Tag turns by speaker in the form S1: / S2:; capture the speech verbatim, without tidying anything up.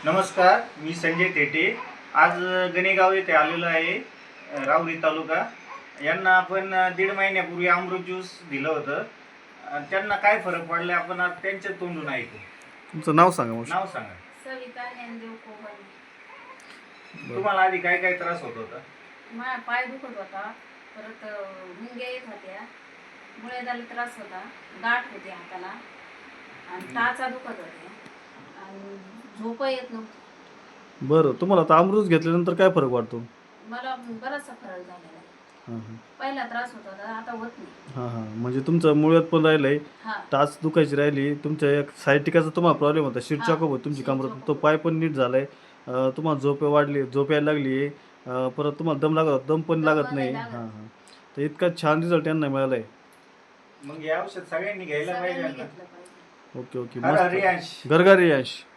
S1: नमस्कार, मी संजय तेटे. आज गणेगाव येथे आलेलो आहे, राहुरी तालुका. यांना आपण दीड महिन्यापूर्वी अमृत ज्यूस दिलं होतं. त्यांना काय फरक पडला आपण आज त्यांच्या तोंडून ऐकू.
S2: तुमचं नाव सांगा. मग
S1: नाव सांगा.
S3: सविता ज्ञानदेव कोहली.
S1: तुम्हाला आधी काय काय त्रास होत होता?
S3: माझा पाय दुखत होता, परत मुंग्या येत होत्या, मुळ्याला त्रास होता, गाठ होती हाताला आणि टाचा दुखत होत्या आणि झोप येत नव्हती.
S2: बरं, तुम्हाला आता अमृत घेतल्यानंतर काय फरक वाटतो?
S3: मला बराचसा फरक झालेला आहे.
S2: हां हां
S3: पहिला त्रास होत होता, आता होत नाही.
S2: हां हां म्हणजे तुमचं मुळ्यात पण राहिलंय,
S3: हा
S2: टाच दुखायची राहिली, तुमच्या एक सायटिकाचा तुम्हाला प्रॉब्लेम होता, शीट
S3: हा,
S2: चॉकअप होत तुमची
S3: शीट
S2: कमरात,
S3: चॉकअप
S2: तो पाय पण नीट झालाय. अं, तुम्हाला झोप वाढली, झोप यायला लागली. अं, परत तुम्हाला दम लागत होता, दम पण
S3: दम
S2: लागत
S3: नाही
S2: नाही.
S3: लागत.
S2: हां हां तर इतका छान रिझल्ट यांना मिळाला आहे.
S1: मग हे औषध सगळ्यांनी घ्यायला पाहिजे
S3: सगळ्यांनी
S1: ना.
S3: घेतलं पाहिजे.
S2: ओके ओके
S1: हर
S2: मस्त.
S1: हरियांश.
S2: घरघरी यश.